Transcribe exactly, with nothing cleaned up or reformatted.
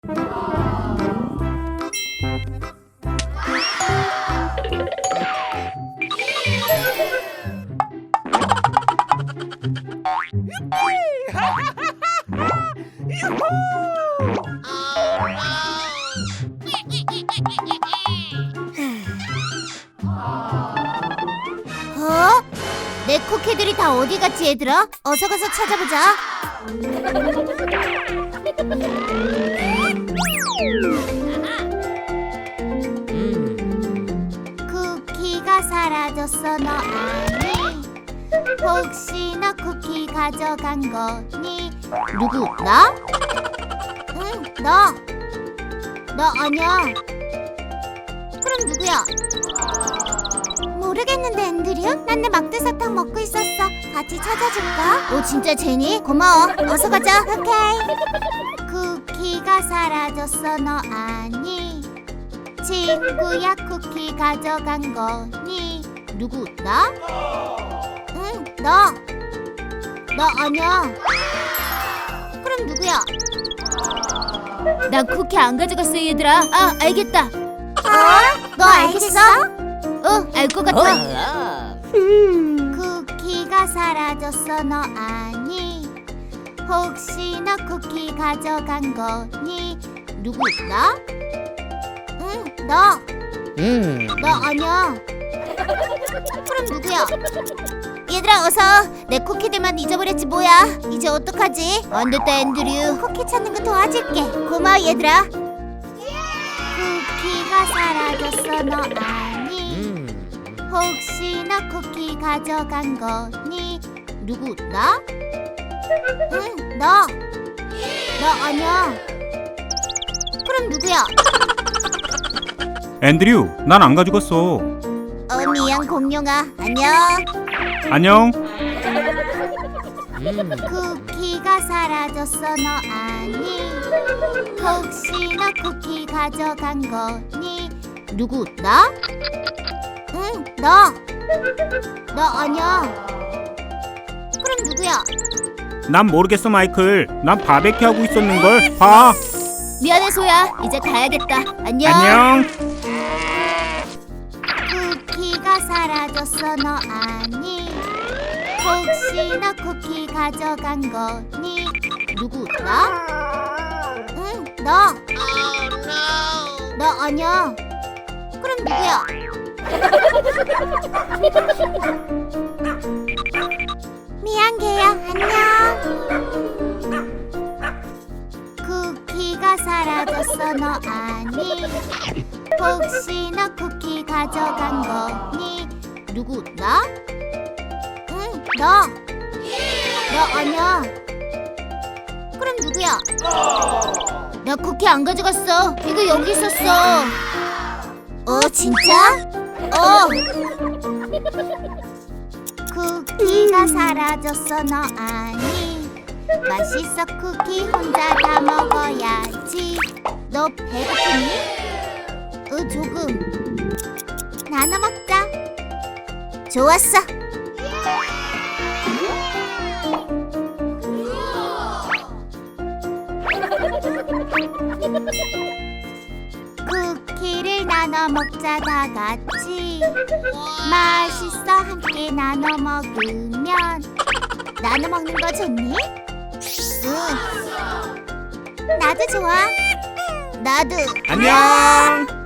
어? 내 쿠키들이 다 어디 갔지, 얘들아? 어서 가서 찾아보자. 쿠키가 사라졌어, 너 아니? 혹시 너 쿠키 가져간 거니? 누구? 나? 응, 너. 너 아니야. 그럼 누구야? 모르겠는데, 앤드류? 난 내 막대사탕 먹고 있었어. 같이 찾아줄까? 오, 진짜 제니? 고마워. 어서 가자. 오케이. 쿠키가 사라졌어, 너 아니? 친구야, 쿠키 가져간 거니? 누구? 나? 응, 너. 너 아니야. 그럼 누구야? 난 쿠키 안 가져갔어, 얘들아. 아, 알겠다. 어? 너 알겠어? 어, 알 것 같아. 쿠키가 사라졌어, 너 아니? 혹시 너 쿠키 가져간 거니? 누구? 나? 응, 너. 음. 너 아니야. 그럼 누구야? 얘들아, 어서. 내 쿠키들만 잊어버렸지 뭐야. 이제 어떡하지? 안 됐다, 앤드류. 쿠키 찾는 거 도와줄게. 고마워, 얘들아. 쿠키가 사라졌어, 너 아니? 혹시 너 쿠키 가져간 거니? 누구? 나? 응, 너. 너 아니야. 그럼 누구야? 앤드류, 난 안 가져갔어. 어, 미안, 공룡아. 안녕. 안녕. 쿠키가 사라졌어, 너 아니? 혹시 너 쿠키 가져간 거니? 누구? 나? 응, 너. 너 아니야. 그럼 누구야? 난 모르겠어, 마이클. 난 바베큐 하고 있었는걸. 봐. 미안해, 소야. 이제 가야겠다. 안녕. 안녕. 쿠키가 사라졌어, 너 아니? 혹시 너 쿠키 가져간 거니? 누구? 나? 응, 너. 너 아니야. 그럼 누구야? 미안, 개야. 안녕. 쿠키가 사라졌어, 너 아니? 혹시 너 쿠키 가져간 거니? 누구? 나? 응, 너. 너 아니야. 그럼 누구야? 나 쿠키 안 가져갔어. 이거 여기 있었어. 어, 진짜? 어. 쿠키가 사라졌어, 너 아니? 맛있어, 쿠키 혼자 다 먹어야지. 너 배고프니? 어, 조금. 나눠 먹자. 좋았어. 쿠키를 나눠 먹자, 다 같이. 맛있어, 함께 나눠 먹으면. 나눠 먹는 거 좋니? 응. 나도 좋아. 나도. 안녕.